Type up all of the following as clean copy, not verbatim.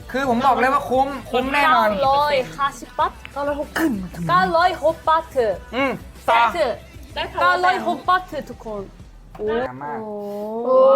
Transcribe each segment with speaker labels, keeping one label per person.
Speaker 1: คือผมบอกเลยว่าคุ้มแน่นอน
Speaker 2: 940 바트 906 바트
Speaker 1: ต่อ
Speaker 2: 세트 906 바트 ทุกคนโอ้
Speaker 1: มาก
Speaker 2: โอ้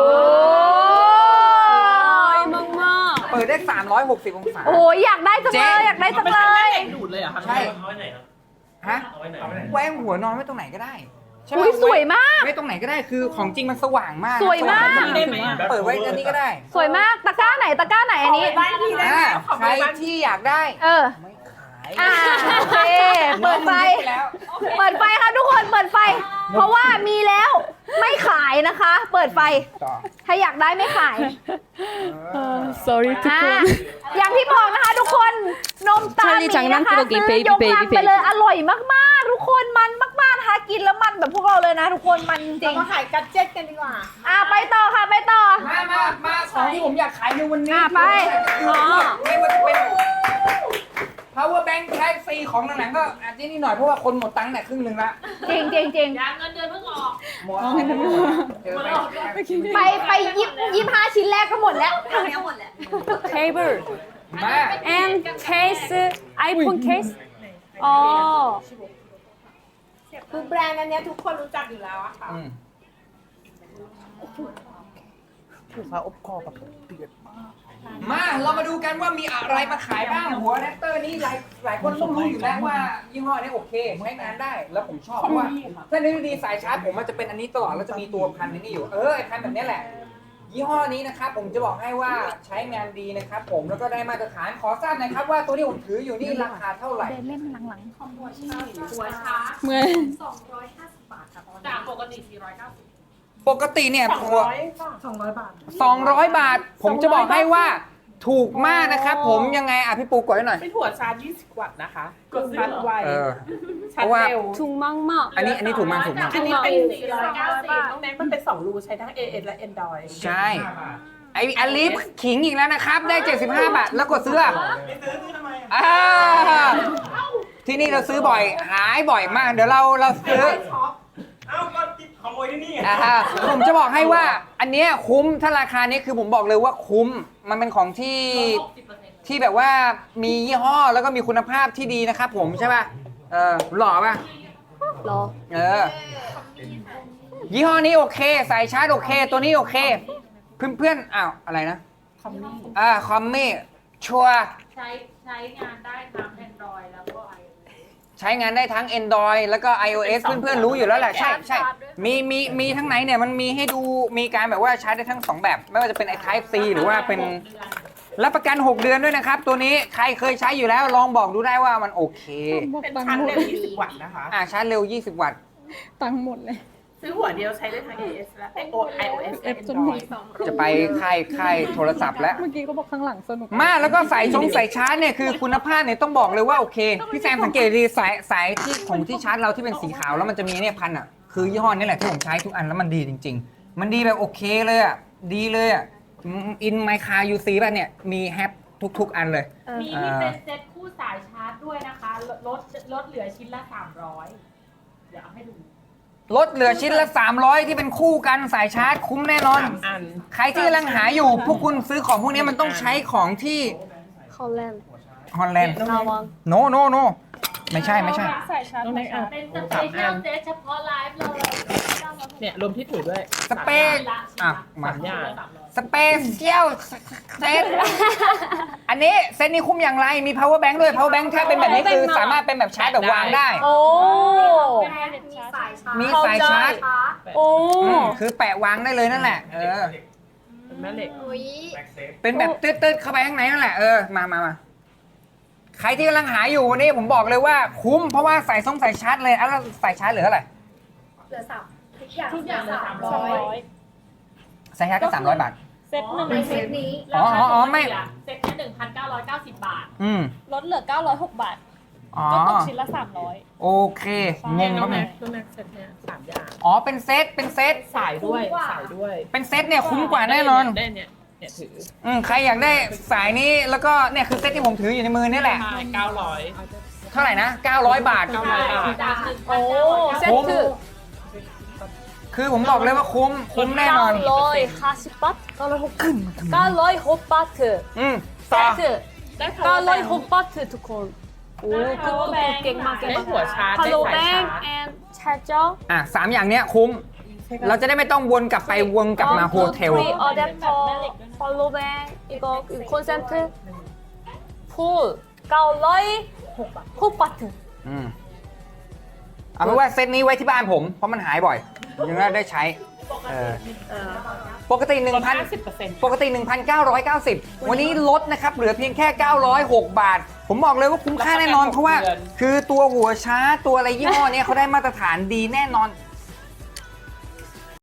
Speaker 2: ยมาก
Speaker 1: เปิดได้360องศา
Speaker 3: โอ้ยอยากได้จังเลยอยากได้จังเลย
Speaker 4: ดูดเลยเหรอครับ
Speaker 1: ใช่
Speaker 5: เอาไว้ไหนครับ
Speaker 1: ฮะ
Speaker 5: เอาไว้ไหน
Speaker 1: แหวงหัวนอนไว้ตรงไหนก็ได้ใช่ปะ
Speaker 3: อุ้ยสวยมาก
Speaker 1: ไว้ตรงไหนก็ได้คือของจริงมันสว่างมาก
Speaker 3: สวยมาก
Speaker 4: ได้ไหมอ่ะ
Speaker 1: เปิดไว้อันนี้ก็ได้
Speaker 3: สวยมากตะกร้าไหนตะกร้าไหนอันนี้
Speaker 4: บ้านพี่ได้ไหมขอ
Speaker 1: ใคร
Speaker 4: บ้าน
Speaker 1: ที่อยากได้
Speaker 3: เออ
Speaker 1: ไม่ขาย
Speaker 3: โอเคเปิดไฟ
Speaker 1: แล้ว
Speaker 3: เปิดไฟค่ะทุกคนเปิดไฟ เพราะว่ามีแล้วไม่ขายนะคะ เปิดไฟ
Speaker 1: ต่อ
Speaker 3: ถ้าอยากได้ไม่ขาย
Speaker 2: sorry ทุกคน
Speaker 3: อย่างที่บอกนะคะทุกคนนมตาล
Speaker 2: 찰리
Speaker 3: นี้นะคะ
Speaker 2: 장난꾸러기
Speaker 3: ซื้อยก
Speaker 2: baby
Speaker 3: ลัง
Speaker 2: baby
Speaker 3: ไปเลยอร่อยมากๆ ทุกคนมันมากๆนะคะกินแล้วมันแบบพวกเราเลยนะ ทุกคนมันจริ
Speaker 4: เรา
Speaker 3: ง
Speaker 4: มาขายกัดเจ็ตกันดีกว่า
Speaker 3: ไปต่อค่ะไปต่อ
Speaker 1: มาของที่ผมอยากขายในวันนี้
Speaker 3: ไป
Speaker 1: ไม่ว่าจะเป็น power bank type C ของหนังๆก็อาจจะนี่หน่อยเพราะว่าคนหมดตังค์เนี่ยครึ่งหนึ่งละ
Speaker 3: จริงจริงจริง
Speaker 4: ยางเงินเดือนเพิ่งออก
Speaker 1: หมดเจอไป
Speaker 3: ไป25 ชิ้นแรกก็หมดแล้ว
Speaker 2: table
Speaker 1: มา
Speaker 2: and case iPhone case อ๋อ
Speaker 4: คือแบรนด์อันเนี้ยทุกคนรู้จักอยู่แล้วอะค่ะ
Speaker 1: ถูกฟ้าอบคอแบบเดือดมากมาเรามาดูกันว่ามีอะไรมาขายบ้างหัวแรปเตอร์นี่หลายคนต้องรู้อยู่แล้วว่ายี่ห้อนี้โอเคใช้งานได้แล้วผมชอบเพราะว่าถ้าในดีสายชาร์จผมมันจะเป็นอันนี้ตลอดแล้วจะมีตัวพันนี้อยู่ไอ้พันแบบนี้แหละ ยี่ห้อนี้นะครับผมจะบอกให้ว่าใช้งานดีนะครับผมแล้วก็ได้มาตรฐานขอทราบหนะครับว่าตัวที่ผมถืออยู่นี่ราคาเท่าไหร่
Speaker 3: เดินเล่นหลัง
Speaker 4: หัวชาร์จ
Speaker 2: เมื่อ
Speaker 4: 250 บาทค่ะจากปกติ490
Speaker 1: ปกติเนี่ยตัว
Speaker 4: 200 บาท
Speaker 1: 200 บาท ผมจะบอกให้ว่าถูกมากนะครับผมยังไงพี่ปูกดให้หน่อย
Speaker 4: เป็นหัวชาร์จ20 วัตต์นะคะกดชาร์จไว
Speaker 1: เพราะว่า
Speaker 4: เร็ว
Speaker 2: ถูกมาก
Speaker 1: อันนี้ถูกมากถูกมาก
Speaker 4: อันนี้เป็น490น้องแม็กมันเป็น2รูใช้ทั้ง AS และ Android
Speaker 1: ใช่ไออลิฟขิงอีกแล้วนะครับ ได้ 75 บาท แล้วกดซื้อที่นี่เราซื้อบ่อยหายบ่อยมาก เดี๋ยวเราซื้อ
Speaker 5: เอ้าก็ขโมยที่นี่
Speaker 1: ผมจะบอกให้ว่าอันเนี้ยคุ้มถ้าราคานี้คือผมบอกเลยว่าคุ้มมันเป็นของที่แบบว่ามียี่ห้อแล้วก็มีคุณภาพที่ดีนะครับผมใช่ป่ะหล่อป่ะ
Speaker 2: ๆรอ
Speaker 1: ยี่ห้อนี้โอเคสายชาร์จโอเค ตัวนี้โอเค เพื่อนๆอ้าวอะไรนะคอมมี่ชัวร์
Speaker 6: ใช้งานได้ทั้ง Android แล้วก็ iOS
Speaker 1: ใช้งานได้ทั้ง Android แล้วก็ iOS เพื่อนๆรู้อยู่แล้วแหละใช่มีทั้งไหนเนี่ยมันมีให้ดูมีการแบบว่าใช้ได้ทั้ง2แบบไม่ว่าจะเป็นไอ้ Type C หรือว่าเป็นรับประกัน6 เดือนด้วยนะครับตัวนี้ใครเคยใช้อยู่แล้วลองบอกดูได้ว่ามันโอเค
Speaker 4: เป็นชาร์จเร็ว20 วัตต์นะคะ
Speaker 1: ชาร์จเร็ว20 วัตต์
Speaker 2: ตังค์หมดเลย
Speaker 4: ซื้อหัวเดียวใช้ได้ทั้ง AS และ iOS และ Android
Speaker 1: จะไปค่ายโทรศัพท์แล้ว
Speaker 2: เมื่อกี้เขาบอกข้างหลังสนุก
Speaker 1: มาแล้วก็สายชาร์จเนี่ยคือคุณภาพเนี่ยต้องบอกเลยว่าโอเคพี่แซมสังเกตดีสายที่ของที่ชาร์จเราที่เป็นสีขาวแล้วมันจะมีเนี่ยพันอ่ะคือยี่ห้อนี้แหละที่ผมใช้ทุกอันแล้วมันดีจริงๆมันดีแบบโอเคเลยอ่ะดีเลยอ่ะอินไมคายูซีป่ะเนี่ยมีแฮปทุกอันเลย
Speaker 6: มีที่เป็นเซ็ตคู่สายชาร์จด้วยนะคะ ลดเหลือชิ้นละ 300 เดี๋ยวเอาให้ดู
Speaker 1: ลดเหลือชิ้นละ300ที่เป็นคู่กันสายชาร์จคุ้มแน่นอน
Speaker 4: อัน
Speaker 1: ใครที่กำลังหาอยู่พวกคุณซื้อของพวกนี้มันต้องใช้ของที่
Speaker 2: ฮอลแลนด์
Speaker 1: ฮอลแลนด์
Speaker 2: นาวอน
Speaker 1: โนไม่ใช่
Speaker 2: ใส่ชาร์จ
Speaker 4: น้องแม็กอ่ะ
Speaker 6: เป็นสเปเชียลเซตเฉพาะไลฟ์เลย
Speaker 4: เนี่ยรวมที่ถือด้วย
Speaker 1: สเปซมา
Speaker 4: 3 อย่าง
Speaker 1: สเปเชียลเซตอันนี้เซตนี้คุ้มอย่างไรมี power bank ด้วย power bank ถ้าเป็นแบบนี้คือสามารถเป็นแบบชาร์จแบบวางได้
Speaker 2: โอ้
Speaker 1: มีสายชาร์จ
Speaker 2: โอ้
Speaker 1: คือแปะวางได้เลยนั่นแหละ
Speaker 4: เป็นแม่เหล็ก
Speaker 1: เป็นแบบตืดๆเข้าไปข้างในนั่นแหละมาใครที่กำลังหาอยู่วันนี้ผมบอกเลยว่าคุ้มเพราะว่าใส่สายชาร์จเลยแล้วสายชาร์จเหลือเท่าไหร่
Speaker 6: เหลือ3ทุกอย่างเหลือ
Speaker 1: สายชาร์จก็300 บาท
Speaker 2: เซตหนึ่ง
Speaker 6: 300เซตนี้
Speaker 1: อ๋อไม่
Speaker 6: เซตนี้1,990 บาท
Speaker 2: ลดเหลือ 906 บาท
Speaker 1: อ๋อ
Speaker 2: ก็ตกชิ้นละ 300
Speaker 1: โอเคงง
Speaker 4: น้
Speaker 1: แล้
Speaker 4: อง
Speaker 1: ว
Speaker 4: แม็
Speaker 1: ไง
Speaker 4: กน้องแม็กเซ็ตเนี่ย3 อย่าง
Speaker 1: อ๋อเป็นเซต
Speaker 4: สายด้วยสายด้วย
Speaker 1: เป็นเซตเนี่ยคุ้มกว่าแน่นอน
Speaker 4: ได้เนี่ยถือ
Speaker 1: ใครอยากได้สายนี้แล้วก็เนี่ยคือเซตที่ผมถืออยู่ในมือนี่แหละ
Speaker 4: 900
Speaker 1: เท่าไหร่นะ900 บาท
Speaker 6: จาก
Speaker 2: โอ้เซต
Speaker 1: คุ้ม
Speaker 2: คือ
Speaker 1: คือผมบอกเลยว่าคุ้มแน่นอน
Speaker 2: 940 바트 906 바트
Speaker 1: ต่อ
Speaker 2: 세트
Speaker 4: ได้ power bank
Speaker 2: 900 홈바트 두콘 오 굿굿굿 깽마
Speaker 4: ได้หัว
Speaker 2: 깽마
Speaker 4: ชาร์จได้สายชา
Speaker 2: 팔로뱅
Speaker 4: ร์จ
Speaker 2: and 차저
Speaker 1: อ่ะ3อย่างเนี้ยคุ้ม เราจะได้ไม่ต้องวนกลับไปวนกลับมาโฮเทล
Speaker 2: 어댑터 팔로뱅 이거 콘센트 풀 900 홈바트
Speaker 1: อืมเอาเป็นว่าเซตนี้ไว้ที่บ้านผม เพราะมันหายบ่อย ยังได้ใช้ปกติ 1,000 ปกติ 1,990 วันนี้ลดนะครับ เหลือเพียงแค่ 906 บาท ผมบอกเลยว่าคุ้มค่าแน่นอน เพราะว่าคือตัวหัวชาร์จตัวอะไรยี่ห้อเนี้ยเขาได้มาตรฐานดีแน่นอน